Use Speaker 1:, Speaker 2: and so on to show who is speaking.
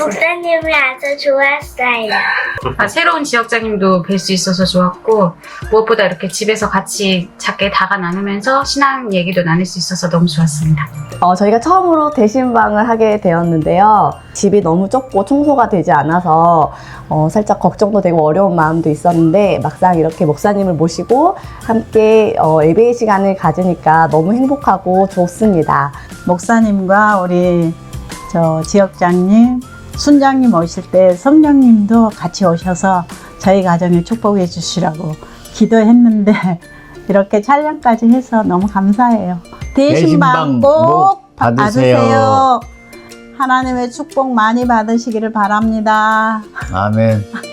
Speaker 1: 목사님이 아주 좋았어요.
Speaker 2: 새로운 지역장님도 뵐 수 있어서 좋았고, 무엇보다 이렇게 집에서 같이 작게 다가 나누면서 신앙 얘기도 나눌 수 있어서 너무 좋았습니다.
Speaker 3: 저희가 처음으로 대신방을 하게 되었는데요. 집이 너무 좁고 청소가 되지 않아서 살짝 걱정도 되고 어려운 마음도 있었는데, 막상 이렇게 목사님을 모시고 함께 예배 시간을 가지니까 너무 행복하고 좋습니다.
Speaker 4: 목사님과 우리 지역장님, 순장님 오실 때 성령님도 같이 오셔서 저희 가정에 축복해 주시라고 기도했는데 이렇게 촬영까지 해서 너무 감사해요. 대신방 꼭 받으세요. 하나님의 축복 많이 받으시기를 바랍니다.
Speaker 5: 아멘.